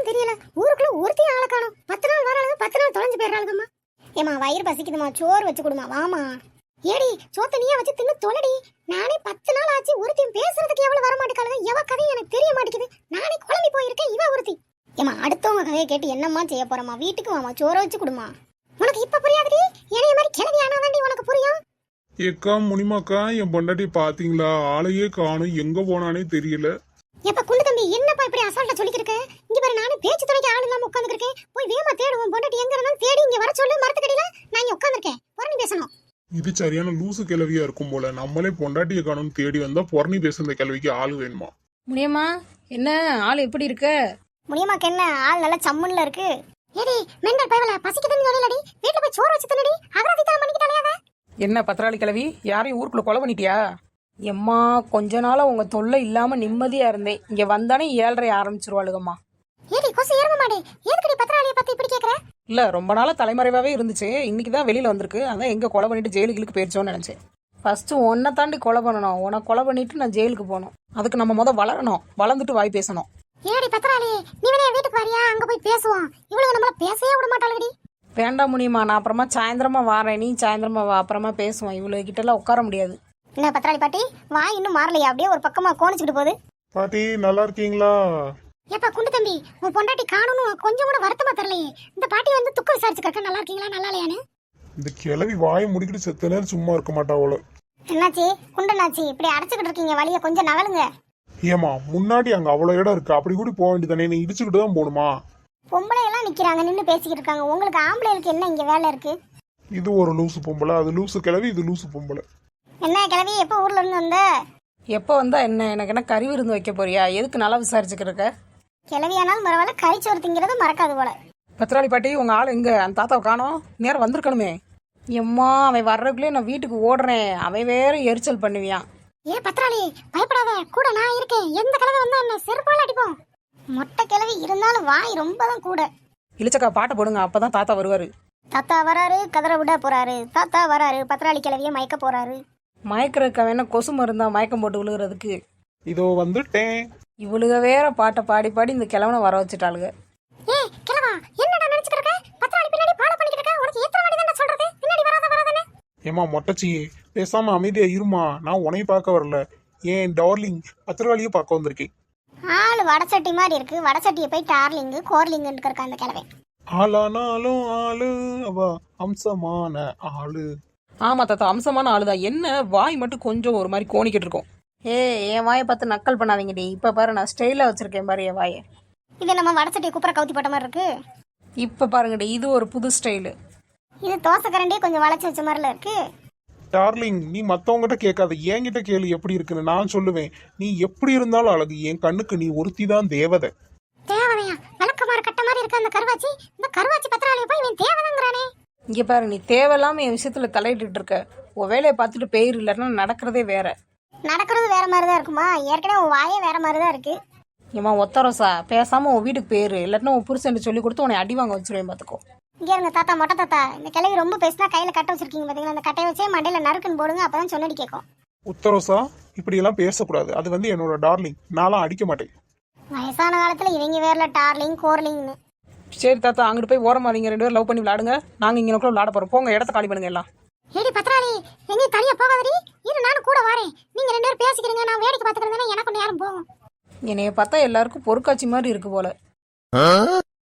என்னன்னு தெரியல. ஊருக்குள்ள ஒருத்தையும் ஆளை காணோம். 10 நாள் வராளுங்க, 10 நாள் தொலைஞ்சு போயிடுறாளுங்கம்மா. ஏமா வயிறு பசிக்குதுமா, சோறு வச்சு கொடுமா, வாமா. ஏடி சோத்த நீயா வச்சு தின்னு தொலைடி. நானே 10 நாள் ஆச்சு, ஒருத்தையும் பேசுறதுக்கு எவ்வளவு வர மாட்டேக்காளுங்க. எவ கதையும் எனக்கு தெரிய மாட்டேங்குது. நானே குழம்பி போயிருக்கேன், இவ ஒருத்தி. ஏமா அடுத்தவங்க கதையை கேட்டு என்னம்மா செய்ய போறமா? வீட்டுக்கு வாமா, சோறு வச்சு கொடுமா. உனக்கு இப்ப புரியாதுடி, என்னைய மாதிரி கிளவி ஆனாதாண்டி உனக்கு புரியும். ஏக்கா முனிமாக்கா, என் பொண்டாட்டி பாத்தீங்களா? ஆளையே காணும், எங்க போனானே தெரியல. எப்ப குண்டு தம்பி, என்னப்பா இப்படி அசால்ட்டா சொல்லிக்கிருக்க? இங்க பாரு, நானே பேச்சு துணைக்கு ஆள் இல்லாம உட்கார்ந்துருக்கேன். போய் வேகமா தேடுவோம். பொண்டாட்டி எங்க இருந்தாலும் தேடி இங்க வர சொல்லு. மரத்துக்கடியில நான் இங்க உட்கார்ந்துருக்கேன். புரணி பேசணும். இது சரியான லூசு கிளவியா இருக்கும் போல. நம்மளே பொண்டாட்டியை காணும் தேடி வந்தா பொறணி பேசுற கிளவிக்கு ஆள் வேணுமா? முடியுமா? என்ன ஆள் எப்படி இருக்க? முடியுமாக்கு என்ன ஆள் நல்ல சம்முன்ல இருக்கு. ஏடி மெண்டல் பயவல, பசிக்குதுன்னு சொல்லலடி. வீட்ல போய் சோறு வச்சு தின்னடி. அகராதி தரம் பண்ணிக்கிட்டாலையாத? என்ன பத்திராளி கிளவி, யாரையும் ஊருக்குள்ள கொலை பண்ணிட்டியா? எம்மா கொஞ்ச நாளா உங்க தொல்லை இல்லாம நிம்மதியா இருந்தேன். இங்க வந்தானே 7:30 ஆரம்பிச்சிருவாளுகம்மா. ஏடி கொசு ஏறும மாடே, எதுக்குடி பத்திராளியை பத்தி இப்படி கேக்குற? இல்ல ரொம்ப நாளா தலைமறைவாவே இருந்துச்சு. இன்னைக்குதான் வெளியில வந்திருக்கு. அதான் எங்க கொலை பண்ணிட்டு ஜெயிலுக்கு போயிருச்சோன்னு நினைச்சேன். ஃபர்ஸ்ட் உன்னை தாண்டி கொலை பண்ணணும். உன்னை கொலை பண்ணிட்டு நான் ஜெயிலுக்கு போகணும். அதுக்கு நம்ம வளரணும். வளர்ந்துட்டு வாய் பேசணும். ஏடி பத்திராளி, நீ வேணா வீட்டுக்கு வரியா? அங்க போய் பேசுவோம். இவளுங்க நம்மள பேசவே விட மாட்டாளுடி. வேண்டாம் முடியுமா, நான் அப்புறமா சாயந்தரமா வாரேன். நீ சாயந்தரமா வா, அப்புறமா பேசுவோம். இவ்வளவு கிட்ட எல்லாம் உட்கார முடியாது. என்ன பத்திராளி பாட்டி, வாய் இன்னும் மாறலையா? அப்படியே ஒரு பக்கமா கோணிச்சுக்கிட்டு போகுது. பாட்டி நல்லா இருக்கீங்களா? ஏப்பா குண்டு தம்பி, உன் பொண்டாட்டி காணணும் கொஞ்சம் கூட வருத்தமா தெரியலையே. இந்த பாட்டி வந்து துக்கம் விசாரிச்சுக்க, நல்லா இருக்கீங்களா நல்லா இல்லையான்னு. இந்த கிளவி வாயை முடிக்கிட்டு செத்த நேரம் சும்மா இருக்க மாட்டாவோல. என்னாச்சு குண்டனாச்சி, இப்படி அடைச்சுக்கிட்டு இருக்கீங்க? வழிய கொஞ்சம் நகலுங்க. ஏமா முன்னாடி அங்க அவ்வளவு இடம் இருக்கு, அப்படி கூட போக வேண்டியதானே? நீ இடிச்சுக்கிட்டு தான் போகணுமா? பொம்பளை எல்லாம் நிக்கிறாங்க, நின்னு பேசிக்கிட்டு இருக்காங்க. உங்களுக்கு ஆம்பளைகளுக்கு என்ன இங்க வேலை இருக்கு? இது ஒரு லூசு பொம்பளை, அது லூசு கிளவி, இது லூசு பொம்பளை. என்ன கிளவி, எப்ப ஊர்ல இருந்து வந்த? எப்போ வந்தா என்ன? எனக்கு என்ன கறி விருந்து வைக்க போறியா? எதுக்கு நல்லா விசாரிச்சுக்கிறக்க? கிளவியானாலும் பரவாயில்ல, கறிச்சோறு திங்கிறது மறக்காது போல. பத்திராளி பாட்டி, உங்க ஆள் எங்க? அந்த தாத்தாவை காணோம். நேரம் வந்திருக்கணுமே. எம்மா அவன் வர்றதுக்குள்ளே நான் வீட்டுக்கு ஓடுறேன். அவன் வேற எரிச்சல் பண்ணுவியான். ஏ பத்திராளி பயப்படாத, கூட நான் இருக்கேன். எந்த கிளவி வந்தா என்ன செருப்பால அடிப்போம். மொட்டை கிளவி இருந்தாலும் வாய் ரொம்ப தான் கூட. இளிச்சக்கா பாட்டை போடுங்க, அப்பதான் தாத்தா வருவாரு. தாத்தா வராரு, கதற விட போறாரு. தாத்தா வராரு, பத்திராளி கிளவிய மயக்க போறாரு. மயக்கிறதுக்கு வேணா கொசு மருந்தா மயக்கம் போட்டு விழுகிறதுக்கு. இதோ வந்துட்டேன். இவளுக வேற பாட்டை பாடி பாடி இந்த கிழவனை வர வச்சுட்டாளுங்க. ஏ கிளவா, என்னடா நினைச்சிட்டு இருக்க? பத்திராளி பின்னாடி பாட பண்ணிக்கிட்டு இருக்க. உனக்கு எத்தனை வாட்டி தான் சொல்றது பின்னாடி வராதே? ஏமா மொட்டச்சி, பேசாம அமைதியா இருமா. நான் உனைய பார்க்க வரல, ஏன் டார்லிங் பத்திரகாளியை பார்க்க வந்திருக்கேன். ஆளு வடசட்டி மாதிரி இருக்கு. வடசட்டியை போய் டார்லிங்கு கோர்லிங்குன்னு இருக்க அந்த கிழவை. ஆளானாலும் ஆளு அவ அம்சமான ஆளு. ஆமா தாத்தா, அம்சமான ஆளுதான். என்ன வாய் மட்டும் கொஞ்சம் ஒரு மாதிரி கோணிக்கிட்டு இருக்கும். என் வாயை பார்த்து நக்கல் பண்ணாதீங்கடி. இப்ப பாரு, நான் ஸ்டைலா வச்சிருக்கேன் பாரு என் வாயை. இது நம்ம வடசட்டியை குப்புற கவுத்தி போட்ட மாதிரி இருக்கு. இப்ப பாருங்கடி, இது ஒரு புது ஸ்டைலு. இது தோசை கரண்டியே கொஞ்சம் வளைச்சு வச்ச மாதிரில இருக்கு. டார்லிங், நீ மத்தவங்கிட்ட கேட்காத, என்கிட்ட கேளு எப்படி இருக்குன்னு. நான் சொல்லுவேன். நீ எப்படி இருந்தாலும் அழகு. என் கண்ணுக்கு நீ ஒருத்தி தான் தேவதை. தேவதையா? விளக்கமாறு கட்ட மாதிரி இருக்க அந்த கருவாச்சி. இந்த கருவாச்சி பத்திராளியை போய் இவன் தேவதைங்கிறானே. இங்க பாரு, நீ தேவையில்லாம என் விஷயத்துல தலையிட்டு இருக்க. உன் வேலையை பார்த்துட்டு பேர் இல்லைன்னா நடக்கிறதே வேற. நடக்கிறது வேற மாதிரி தான் இருக்குமா? ஏற்கனவே உன் வாயே வேற மாதிரி தான் இருக்கு. ஏமா ஒத்தரோசா, பேசாம உன் வீட்டுக்கு பேரு இல்லாட்டினா உன் புருஷன் சொல்லி கொடுத்து உன்னை அடி வாங்க வச்சிருவேன் பாத்துக்கோ. இங்க இருங்க தாத்தா, மொட்டை தாத்தா, இந்த கிளவி ரொம்ப பேசினா கையில கட்ட வச்சிருக்கீங்க பாத்தீங்களா? அந்த கட்டையை வச்சே மண்டையில நறுக்குன்னு போடுங்க, அப்பதான் சொன்னடி கேட்கும். உத்தரோசா, இப்படி எல்லாம் பேசக்கூடாது. அது வந்து என்னோட டார்லிங். நான்லாம் அடிக்க மாட்டேன். வயசான காலத்துல இவங்க வேர்ல டார்லிங் கோர்லிங்னு. சரி தாத்தா, அங்கிட்டு போய் ஓரமா நீங்க 2 பேரும் லவ் பண்ணி விளையாடுங்க. நாங்க இங்க விளையாட போறோம். போங்க, இடத்த காலி பண்ணுங்க எல்லாம். ஏடி பத்திராளி, எங்கேயும் தனியா போகாதடி. இரு, நானும் கூட வரேன். நீங்க 2 பேரும் பேசிக்கிறீங்க, நான் வேடிக்கை பாத்துக்கிறேன். எனக்கு நேரம் போகும். என்னைய பார்த்தா எல்லாருக்கும் பொறுக்காட்சி மாதிரி இருக்கு போல.